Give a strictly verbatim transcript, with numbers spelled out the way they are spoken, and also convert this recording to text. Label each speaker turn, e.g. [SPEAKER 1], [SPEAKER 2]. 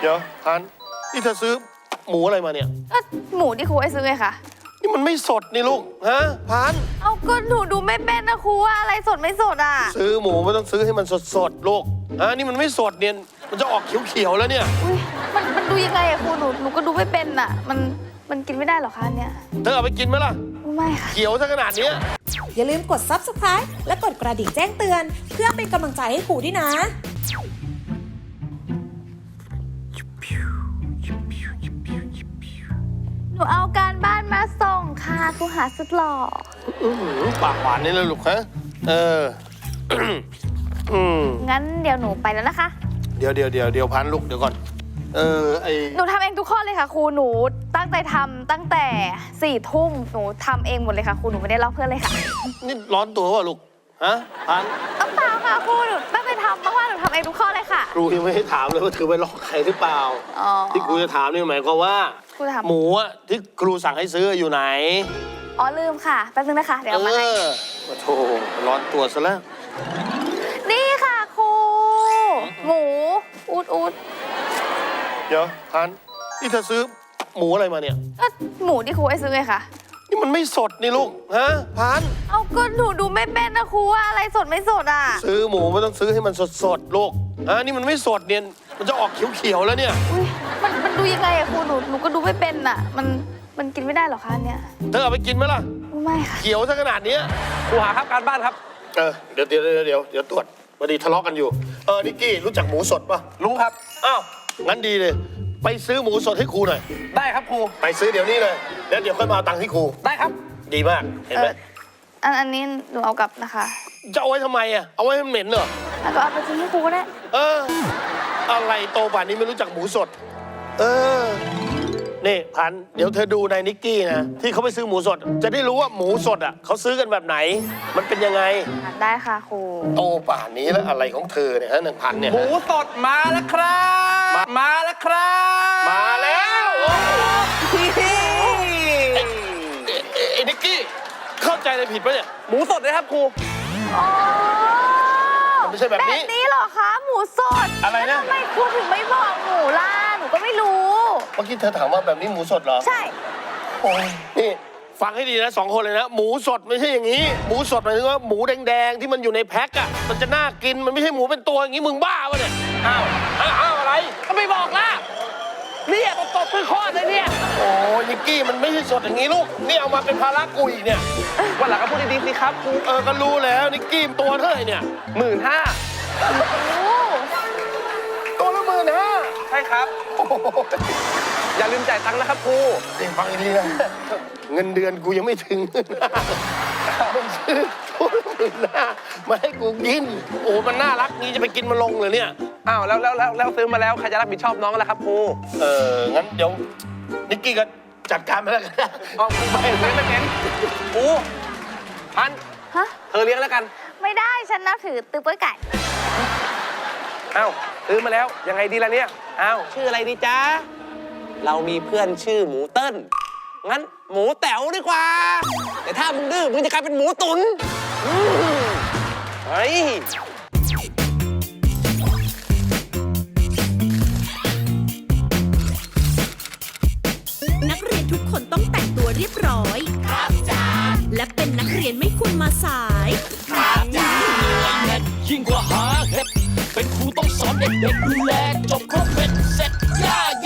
[SPEAKER 1] ดี๋ยวพันนี่เธอซื้อหมูอะไรมาเนี่ย
[SPEAKER 2] ก็หมูที่ครูให้ซื้อไงคะ
[SPEAKER 1] นี่มันไม่สดนี่ลูกฮะพัน
[SPEAKER 2] เอาก็หนูดูไม่เป็นนะครูว่าอะไรสดไม่สดอ่ะ
[SPEAKER 1] ซื้อหมูไม่ต้องซื้อให้มันสดสดลูกฮะนี่มันไม่สดเนี่ยมันจะออกเขียวๆแล้วเนี่ย
[SPEAKER 2] อุ้ยมันมันดูยังไงอะครูหนูหนูก็ดูไม่เป็นอ่ะมันมันกินไม่ได้หรอคะเนี่ย
[SPEAKER 1] เธอเอาไปกินไหมล่ะ
[SPEAKER 2] ไม่ค่ะ
[SPEAKER 1] เขียวซะขนาดนี้
[SPEAKER 3] อย่าลืมกด ซับสไครบ์ และกดกระดิ่งแจ้งเตือนเพื่อเป็นกำลังใจให้ครูด้วยนะ
[SPEAKER 2] หนูเอาการบ้านมาส่งค่ะครูหาสุดหล่อ
[SPEAKER 1] ปากหวานนี่เลยลูกฮะเออ
[SPEAKER 2] งั้นเดี๋ยวหนูไปแล้วนะคะ
[SPEAKER 1] เดี๋ยวเดี๋ยวเดี๋ยวเดี๋ยวพันลูกเดี๋ยวก่อนเออไอ
[SPEAKER 2] หนูทำเองทุกข้อเลยค่ะครูหนูตั้งใจทำตั้งแต่สี่ทุ่มหนูทำเองหมดเลยค่ะครูหนูไม่ได้ลอกเพื่อนเลยค่ะ
[SPEAKER 1] นี่ร้อนตัววะลูกฮะพัน
[SPEAKER 2] ต้องเปล่าค่ะครูหนูตั้งใจทำมากๆหนูทำเองทุกข้อเลยค่ะ
[SPEAKER 1] ครูยังไม่ให้ถามเลยว่าเธอไปลอกใครหรือเปล่าที่ครูจะถามนี่หมายความว่าหมูอะที่ครูสั่งให้ซื้ออยู่ไหน
[SPEAKER 2] อ๋อลืมค่ะแป๊บนึงนะคะเดี๋ยวมาให้
[SPEAKER 1] โธ่ร้อนตัวซะแล้ว
[SPEAKER 2] นี่ค่ะครูหมูอูดอูด
[SPEAKER 1] เดี๋ยวพันนี่เธอซื้อหมูอะไรมาเนี่ย
[SPEAKER 2] ก็หมูที่ครูให้ซื้อไงคะ
[SPEAKER 1] นี่มันไม่สดนี่ลูกฮะพัน
[SPEAKER 2] เอาก็หนูดูไม่เป็นนะครูว่าอะไรสดไม่สดอ่ะ
[SPEAKER 1] ซื้อหมูไม่ต้องซื้อให้มันสดสดลูกฮะนี่มันไม่สดเนี่ยมันจะออกเขียวๆแล้วเนี่ย
[SPEAKER 2] อุ้ยมันมันดูยังไงอะครูหนูหนูก็ดูไม่เป็นอ่ะมันมันกินไม่ได้หรอคะเนี่ย
[SPEAKER 1] เธอเอาไปกินไหมล่ะ
[SPEAKER 2] ไม่ค่ะ
[SPEAKER 1] เขียวซะขนาดนี้
[SPEAKER 4] ครูหาครับการบ้านครับ
[SPEAKER 1] เออเดี๋ยวเดี๋ยวเดี๋ยวเดี๋ยวเดี๋ยวตรวจพอดีทะเลาะกันอยู่เออนิกกี้รู้จักหมูสดป่ะ
[SPEAKER 4] รู้ครับ
[SPEAKER 1] อ้าวงั้นดีเลยไปซื้อหมูสดให้ครูหน่อย
[SPEAKER 4] ได้ครับครู
[SPEAKER 1] ไปซื้อเดี๋ยวนี้เลยแล้วเดี๋ยวค่อยมาเอาตังค์ที่ครู
[SPEAKER 4] ได้ครับ
[SPEAKER 1] ดีมากเห็นไหม
[SPEAKER 2] อันอันนี้หนูเอากลับนะคะ
[SPEAKER 1] จะเอาไว้ทำไมอ่ะเอาไว้ให้เหม็นเหรอ
[SPEAKER 2] แล้วก็เอาไปซื้อให้ครูก็ได้
[SPEAKER 1] เอออะไรโตป่านนี้ไม่รู้จักหมูสดเออนี่พันเดี๋ยวเธอดูในนิกกี้นะที่เขาไปซื้อหมูสดจะได้รู้ว่าหมูสดอ่ะเขาซื้อกันแบบไหนมันเป็นยังไง
[SPEAKER 2] ได้ค่ะครู
[SPEAKER 1] โตป่านนี้แล้วอะไรของเธอเนี่ยฮะหนึ่งพันเนี่ย
[SPEAKER 4] หมูสดมาแล้วครับมาแล้วครับ
[SPEAKER 1] มาแล้วไอ้นิกกี้เข้าใจอะไรผิดปะเนี่ย
[SPEAKER 4] หมูสดเลยครับครู
[SPEAKER 2] อ๋อ
[SPEAKER 1] มันไม่ใช่แบบนี้
[SPEAKER 2] แบบนี้เหรอคะหมูสด
[SPEAKER 1] อะไรนะ
[SPEAKER 2] ทำไมครูถึงไม่บอกหนูล่ะหนูก็ไม่รู้
[SPEAKER 1] เมื่อกี้เธอถามว่าแบบนี้หมูสดเหรอ
[SPEAKER 2] ใช่
[SPEAKER 1] โอ้ยนี่ฟังให้ดีนะสองคนเลยนะหมูสดไม่ใช่อย่างนี้หมูสดหมายถึงว่าหมูแดงๆที่มันอยู่ในแพ็คอะมันจะน่ากินมันไม่ใช่หมูเป็นตัวอย่างนี้มึงบ้าวะเนี่ย
[SPEAKER 4] อ้าวอ้าวอะไรก็ไม่บอกล่ะเนี่ยตบตบคือข้อเลยเนี่ย
[SPEAKER 1] โอ้ยนิกกี้มันไม่ใช่สดอย่างนี้ลูกนี่เอามาเป็นภาระกูอีกเนี่ย
[SPEAKER 4] วันหลังก็พูดดีๆสิครับครู
[SPEAKER 1] เออก็รู้แล้วนิกกี้ตัวเท่าไหร่เนี่ย
[SPEAKER 4] หมื่นห้า
[SPEAKER 1] ตัวละหมื่นห้า
[SPEAKER 4] ใช่ครับอย่าลืมจ่ายตังค์นะครับครู
[SPEAKER 1] เดี๋ยวฟังดีนะเงินเดือนกูยังไม่ถึงมึงซื้อตัวละหมื่นห้ามาให้กูกินโอ้มันน่ารักนี้จะไปกินมันลงเลยเนี่ย
[SPEAKER 4] อ้าวแล้วแล้วแล้วแล้วซื้อมาแล้วใครจะรับผิดชอบน้องล่ะครับครู
[SPEAKER 1] เอองั้นเดี๋ยวนิกกี้ก็จัดการไปแล้วกัน
[SPEAKER 4] อ๋อไม่เลี้ยงไม่เป็นครูพัน
[SPEAKER 2] ฮะ
[SPEAKER 4] เธอเลี้ยงแล้วกัน
[SPEAKER 2] ไม่ได้ฉันนับถือตือเปื้อยไก่
[SPEAKER 4] อ้าวซื้อมาแล้วยังไงดีล่ะเนี่ยอ้าวชื่ออะไรดีจ๊ะเรามีเพื่อนชื่อหมูเติ้ลงั้นหมูแต๋วดีกว่าแต่ถ้ามึงดื้อมึงจะกลายเป็นหมูตุ๋นเฮ้ย
[SPEAKER 3] นักเรียนทุกคนต้องแต่งตัวเรียบร้อยครับจ้าและเป็นนักเรียนไม่ควรมาสาย
[SPEAKER 5] ครับจ้ายิ่งกว่าหาเห็ดเป็นครูต้องสอนเด็กๆดูแลจบครบ